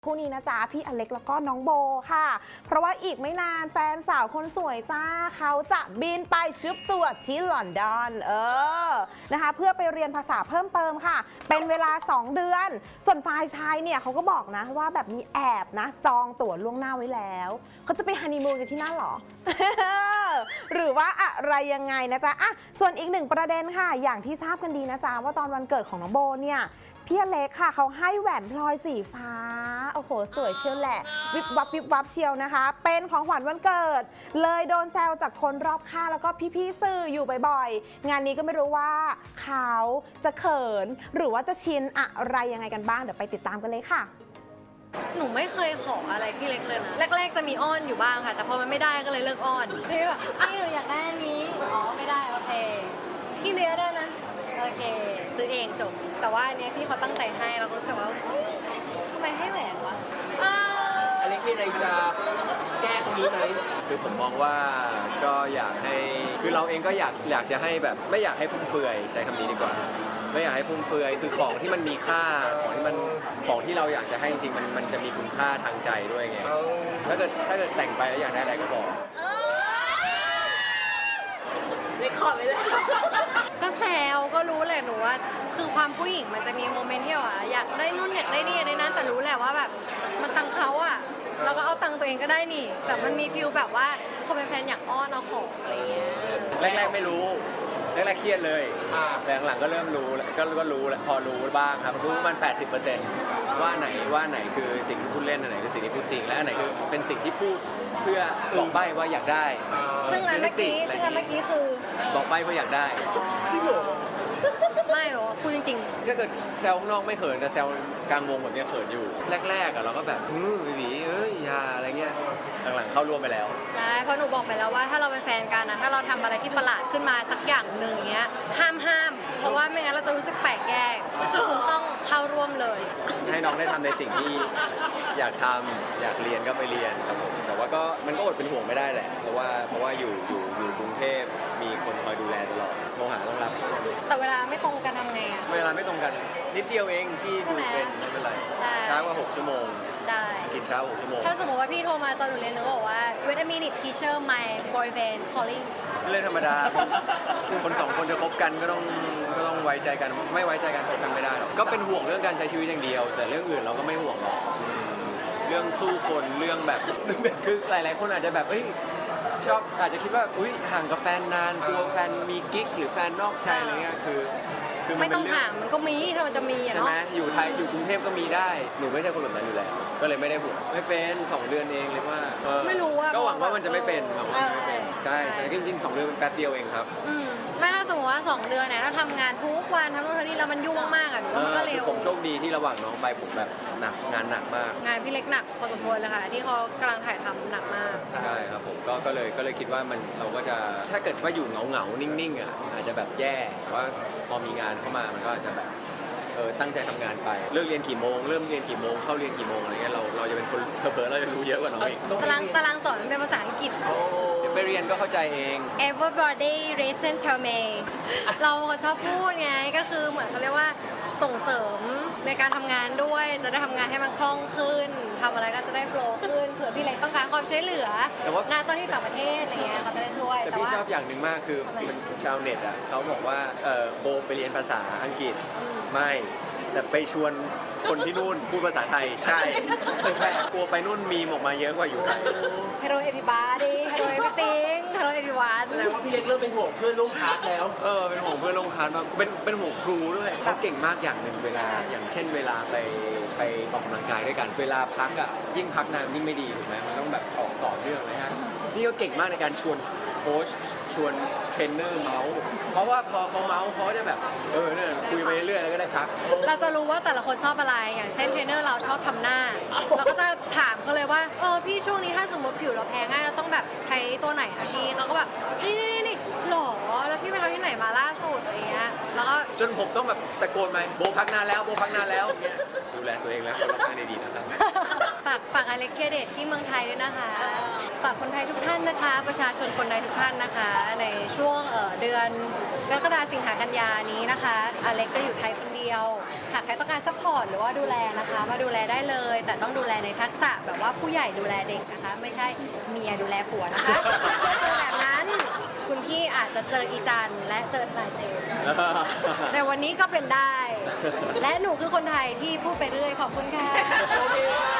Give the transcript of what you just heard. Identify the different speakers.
Speaker 1: คู่นี้นะจ๊ะพี่อเล็กแล้วก็น้องโบค่ะเพราะว่าอีกไม่นานแฟนสาวคนสวยจ้าเขาจะบินไปชุบตัวที่ลอนดอนนะคะเพื่อไปเรียนภาษาเพิ่มเติมค่ะเป็นเวลา2 เดือนส่วนฝ่ายชายเนี่ยเขาก็บอกนะว่าแบบมีแอบนะจองตั๋วล่วงหน้าไว้แล้วเขาจะไปฮันนีมูนกันที่นั่นหรอ หรือว่าอะไรยังไงนะจ๊ะส่วนอีกหนึ่งประเด็นค่ะอย่างที่ทราบกันดีนะจ๊ะว่าตอนวันเกิดของน้องโบเนี่ยพี่อเล็กค่ะเขาให้แหวนพลอยสีฟ้าโอ้โหสวยเชียวแหละวิบวับวิบวับเชียวนะคะเป็นของขวัญวันเกิดเลยโดนแซวจากคนรอบข้างแล้วก็พี่ๆสื่ออยู่บ่อยๆงานนี้ก็ไม่รู้ว่าเขาจะเขินหรือว่าจะชินอะไรยังไงกันบ้างเดี๋ยวไปติดตามกันเลยค่ะ
Speaker 2: หนูไม่เคยขออะไรพี่เล็กเลยนะแรกๆจะมีอ้อนอยู่บ้างค่ะแต่พอมันไม่ได้ก็เลยเลิกอ้อนพี่แบบพี่หนูอยากได้อันนี้อ๋อไม่ได้โอเคพี่เลี้ยได้นะโอเคซื้อเองจบแต่ว่าอันนี้พี่เขาตั้งใจให้เราก็รู้สึกว่าทำไมให้แหวนวะ
Speaker 3: อะไรที่อะไรจะแก้ตรงนี้ไหมคือผมมองว่าก็อยากให้คือเราเองก็อยากจะให้แบบไม่อยากให้ฟุ่มเฟือยใช้คำนี้ดีกว่าไม่อยากให้ฟุ่มเฟือยคือของที่มันมีค่าของที่เราอยากจะให้จริงๆมันจะมีคุณค่าทางใจด้วยไงถ้าเกิดแต่งไปแล้วอยากได้อะไรก็บอก
Speaker 2: ไม่ขอไม่ได้ก็แซวก็รู้แหละหนูว่าคือความผู้หญิงมันจะมีโมเมนต์ที่ว่าอยากได้นู่นอยากได้นี่อยากได้นั่นแต่รู้แหละว่าแบบมันตังเขาอะเราก็เอาตังตัวเองก็ได้นี่แต่มันมีฟิลแบบว่าคนเป็นแฟนอยากอ้อนเอาของอะไรเงี้ย
Speaker 3: แรกๆไม่รู้แรกๆเครียดเลยแต่หลังๆก็เริ่มรู้ก็รู้แล้วพอรู้บ้างครับรู้มัน 80% ว่าไหนคือสิ่งที่พูดเล่นอันไหนคือสิ่งที่พูดจริงและอันไหนคือเป็นสิ่งที่พูดเพื่อบอกใบ้ว่าอยากได้
Speaker 2: ซึ่งอันเมื่อกี้คือ
Speaker 3: บอกใบ้ว่าอยากได้
Speaker 2: จริงเหรอไม่หรอพูดจริง
Speaker 3: ๆถ้าเกิดแซวข้างนอกไม่เขินแต่แซวกลางวงแบบนี้เขินอยู่แรกๆเราก็แบบบีอย่าอะไรเงี้ยหลังๆเข้าร่วมไปแล้ว
Speaker 2: ใช่เพราะหนูบอกไปแล้วว่าถ้าเราเป็นแฟนกันนะถ้าเราทำอะไรที่ประหลาดขึ้นมาสักอย่างหนึ่งอย่างเงี้ยห้ามเพราะว่าไม่งั้นเราจะรู้สึกแปลกแยกคุณต้องเข้าร่วมเลย
Speaker 3: ให้น้องได้ทำในสิ่งที่อยากทำอยากเรียนก็ไปเรียนครับผมแต่ว่าก็มันก็อดเป็นห่วงไม่ได้แหละเพราะว่าอยู่กรุงเทพมีคนคอยดูแลตลอดโทรหาต้องรับ
Speaker 2: แต่เวลาไม่ตรงกันทำไงอะ
Speaker 3: เวลาไม่ตรงกันนิดเดียวเองพี่ดูเป็นไม่เป็นไรช้ากว่า6 ชั่วโมง
Speaker 2: ได้
Speaker 3: กินเช้า6 ชั่วโมง
Speaker 2: ถ้าสมมติว่าพี่โทรมาตอนหนูเรียนหนูบอกว่า wait a minute teacher my boyfriend calling
Speaker 3: เรื่องธรรมดาคน2 คนจะคบกันก็ต้องไว้ใจกันไม่ไว้ใจกันคบกันไม่ได้หรอกก็เป็นห่วงเรื่องการใช้ชีวิตอย่างเดียวแต่เรื่องอื่นเราก็ไม่ห่วงหรอกเรื่องสู้คนเรื่องแบบคือหลายๆคนอาจจะแบบชอบอาจจะคิดว่าห่างกับแฟนนานกลัวแฟนมีกิ๊กหรือแฟนนอกใจอะไรเงี้ยคือ
Speaker 2: ไม่ต้องถามมันก็มีถ้ามันจะมี
Speaker 3: ใช่ไหมอยู่ไทยอยู่กรุงเทพก็มีได้หนูไม่ใช่คนแบบนั้นอยู่แล้วก็เลยไม่ได้ห่วงไม่เป็น2 เดือนเองเลยว่า
Speaker 2: ไม่รู้ว่า
Speaker 3: ก็หวังว่ามันจะไม่เป็นใช่จริงๆ2 เดือนเป็นแป๊บเดียวเองครับ
Speaker 2: ไม่ถ้าสมมติว่า2 เดือนเนี่ยถ้าทำงานทุกวันทั้งนู่นทั้งนี่แล้วมันยุ่งมากๆอ่ะมันก็เร็ว
Speaker 3: ผมโชคดีที่ระหว่างน้องไปผมแบบงานหนักมาก
Speaker 2: งานพี่เล็กหนักพอสมควรเลยค่ะที่เขากำลังถ่ายทำหนักมาก
Speaker 3: ใช่ครับผมก็เลยคิดว่าเราก็จะถ้าเกิดว่าอยู่เหงานิ่งๆอ่ะอาจจะแบบแย่ว่าพอมีงานเข้ามามันก็จะแบบตั้งใจทำงานไปเลิกเรียนกี่โมงเริ่มเรียนกี่โมงเข้าเรียนกี่โมงอะไรเงี้ยเราจะเป็นคนเผลอๆเราจะรู้เยอะกว่าน้องอีก
Speaker 2: ตารางสอนเป็นภาษาอังกฤษ
Speaker 3: เดี๋ยวไปเรียนก็เข้าใจเอง
Speaker 2: Everybody listen to me เราชอบพูดไงก็คือเหมือนเขาเรียกว่าส่งเสริมในการทำงานด้วยจะได้ทำงานให้มันคล่องขึ้นทำอะไรก็จะได้โฟล์ขึ้นเผื่อพี่เล็กต้องการความช่วยเหลืองานตอนที่ต่างประเทศอะไรเงี้ยเขาจะได้ช่วย
Speaker 3: แต่พี่ชอบอย่างหนึ่งมากคือชาวเน็ตอ่ะเขาบอกว่าโบไปเรียนภาษาอังกฤษไม่แต่ไปชวนคนที่นู่นพูดภาษาไทยใช่แต่กลัวไปนู่นมีออกมาเยอะกว่าอยู่ไทย
Speaker 2: Hello everybody Hello everything Hello everyone
Speaker 4: แสดงว่าพี่เล็กเริ่มเป็นห่วงเพื่อนร่วมคลาสแล้ว
Speaker 3: เป็นห่วงเพื่อนร่วมคลาสมากเป็นห่วงครูด้วยเขาเก่งมากอย่างหนึ่งเวลาอย่างเช่นเวลาไปออกกำลังกายด้วยกันเวลาพักอ่ะยิ่งพักนานยิ่งไม่ดีถูกไหมมันต้องแบบออกต่อเนื่องเลยฮะนี่ก็เก่งมากในการชวนโค้ชชวนเทรนเนอร์เมาส์เพราะว่าพอเขาเมาส์เขาจะแบบเนี่ยคุยไปเรื่อยๆแล้วก็ได้พัก
Speaker 2: เราจะรู้ว่าแต่ละคนชอบอะไรอย่างเช่นเทรนเนอร์เราชอบทำหน้าเราก็จะถามเขาเลยว่าพี่ช่วงนี้ถ้าสมมติผิวเราแพ้ง่ายเราต้องแบบใช้ตัวไหนนะพี่เขาก็แบบนี่หรอแล้วพี่ไปทำที่ไหนมาล่าสุดอะไรเงี้ยแล้วก็
Speaker 3: จนผมต้องแบบตะโกนไปโบพักนานแล้วเนี่ยดูแลตัวเองแล้วคนรอบข้างดีๆนะครับ
Speaker 2: ฝากอเล็กเคียเดทที่เมืองไทยด้วยนะคะฝากคนไทยทุกท่านนะคะประชาชนคนไทยทุกท่านนะคะในช่วงเดือนกรกฎาคมสิงหากันยานี้นะคะอเล็กจะอยู่ไทยคนเดียวยว หากใครต้องการซัพพอร์ตหรือว่าดูแลนะคะ มาดูแลได้เลย แต่ต้องดูแลในทักษะแบบว่าผู้ใหญ่ดูแลเด็กนะคะ ไม่ใช่เมียดูแลผัวนะคะถ้าเจอแบบนั้น คุณพี่อาจจะเจออีจันและเจอทนายเจมส์แต่วันนี้ก็เป็นได้ และหนูคือคนไทยที่พูดไปเรื่อยขอบคุณค่ะ